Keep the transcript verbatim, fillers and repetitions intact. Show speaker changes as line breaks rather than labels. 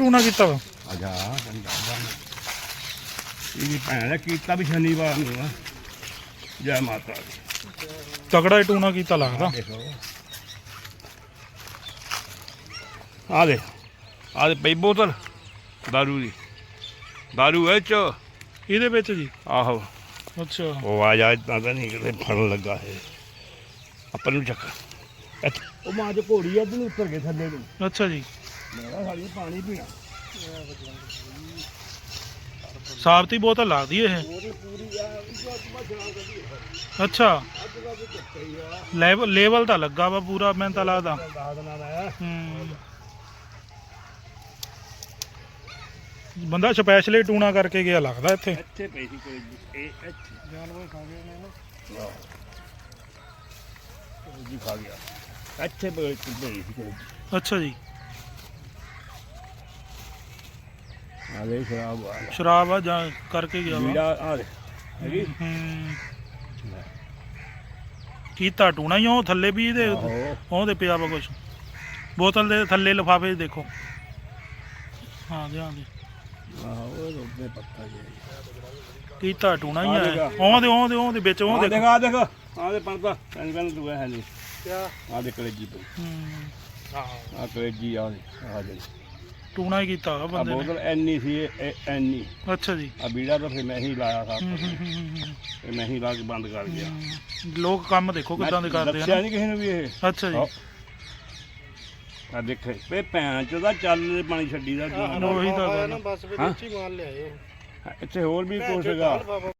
ਟੂਣਾ ਕੀਤਾ ਵਾ
ਅਜਾ ਇਹਦੀ ਭੈਣ ਨੇ ਕੀਤਾ ਵੀ ਸ਼ਨੀਵਾਰ ਨੂੰ ਆ। ਜੈ ਮਾਤਾ ਦੀ।
ਤਗੜਾ ਹੀ ਟੂਣਾ ਕੀਤਾ ਲੱਗਦਾ।
ਦੇਖੋ ਆ ਦੇ ਆ ਦੇ ਪਈ ਬੋਤਲ ਦਾਰੂ ਦੀ। ਦਾਰੂ ਇਹ ਚ
ਇਹਦੇ ਵਿੱਚ ਜੀ।
ਆਹੋ
ਅੱਛਾ
ਉਹ ਆ ਜਾ ਇਦਾਂ ਤਾਂ ਨਹੀਂ ਕਿਤੇ ਫੜਨ ਲੱਗਾ ਇਹ ਆਪਾਂ ਨੂੰ ਚੱਕ। ਉਹ ਮਾਂ ਚ ਘੋੜੀ ਆ ਨੂੰ ਉੱਤਰ ਗਏ ਥੱਲੇ ਨੂੰ।
ਅੱਛਾ ਜੀ
ਮੇਰਾ ਸਾਲੀ ਪਾਣੀ ਪੀਣਾ।
ਸਾਬਤੀ ਬੋਤਲ ਲੱਗਦੀ ਇਹ। ਅੱਛਾ ਲੈਵਲ ਲੈਵਲ ਤਾਂ ਲੱਗਾ ਵਾ ਪੂਰਾ ਮੈਨੂੰ ਤਾਂ ਲੱਗਦਾ। ਹੂੰ ਬੰਦਾ ਸਪੈਸ਼ਲੀ ਟੂਣਾ ਕਰਕੇ ਗਿਆ ਲੱਗਦਾ ਇੱਥੇ।
ਇੱਥੇ ਪਈ ਸੀ ਕੋਈ ਇਹ ਇੱਥੇ ਜਾਨਵਰ ਖਾ ਗਏ ਨੇ ਨਾ। ਜੀ ਖਾ ਗਿਆ ਇੱਥੇ ਪਈ ਸੀ ਕੋਈ।
ਅੱਛਾ ਜੀ
ਆ ਲੈ ਸ਼ਰਾਬ ਆ
ਸ਼ਰਾਬ ਆ ਜਾਂ ਕਰਕੇ ਗਿਆ ਵਾ।
ਵੀੜਾ ਆ ਦੇ ਹੈਗੀ।
ਹੂੰ ਕੀਤਾ ਟੂਣਾ ਹੀ ਉਹ ਥੱਲੇ ਵੀ ਇਹਦੇ ਉਹਦੇ ਪਿਆ ਵਾ ਕੁਛ। ਬੋਤਲ ਦੇ ਥੱਲੇ ਲਿਫਾਫੇ ਦੇਖੋ। ਹਾਂ ਧਿਆਨ ਦੇ।
ਆਹੋ ਉਹ ਰੋਦੇ ਪੱਕਾ ਜੀ
ਕੀਤਾ ਟੂਣਾ ਹੀ ਆ। ਉਹਦੇ ਉਹਦੇ ਉਹਦੇ ਵਿੱਚ ਉਹ
ਦੇਖ ਆ ਦੇਖ ਆ ਦੇ ਪੰਪਾ ਪੈਨ ਪੈਨ ਦੂਆ ਹੈ ਨਹੀਂ ਕਿਆ ਆ ਦੇ ਕਲੇਜੀ ਪਈ।
ਹੂੰ
ਆ ਕਲੇਜੀ ਆ ਆ ਜੀ
ਟੂਣਾ ਹੀ ਕੀਤਾ ਹੋਇਆ ਬੰਦੇ ਨੇ।
ਬੋਤਲ ਐਨੀ ਸੀ ਇਹ ਐਨੀ।
ਅੱਛਾ ਜੀ
ਆ ਬੀੜਾ ਤਾਂ ਫਿਰ ਮੈਂ ਹੀ ਲਾਇਆ ਸਾਂ।
ਹੂੰ, ਹੂੰ, ਹੂੰ, ਹੂੰ।
ਇਹ ਮੈਂ ਹੀ ਲਾ ਕੇ ਬੰਦ ਕਰ ਗਿਆ।
ਹੂੰ। ਲੋਕ ਕੰਮ ਦੇਖੋ ਕਿੱਦਾਂ ਦੇ ਕਰਦੇ ਆ
ਦੱਸਿਆ
ਨਾ।
ਨਹੀਂ ਕਿਸੇ ਨੂੰ ਵੀ ਇਹ।
ਅੱਛਾ ਜੀ
ਆ ਦੇਖੇ ਵੇ ਭੈਣ ਚੋਂ ਦਾ ਚੱਲ ਪਾਣੀ ਛੱਡੀ ਦਾ।
ਉਹੀ ਤਾਂ ਗੱਲ।
ਇੱਥੇ ਹੋਰ ਵੀ ਕੁਛ ਹੈਗਾ।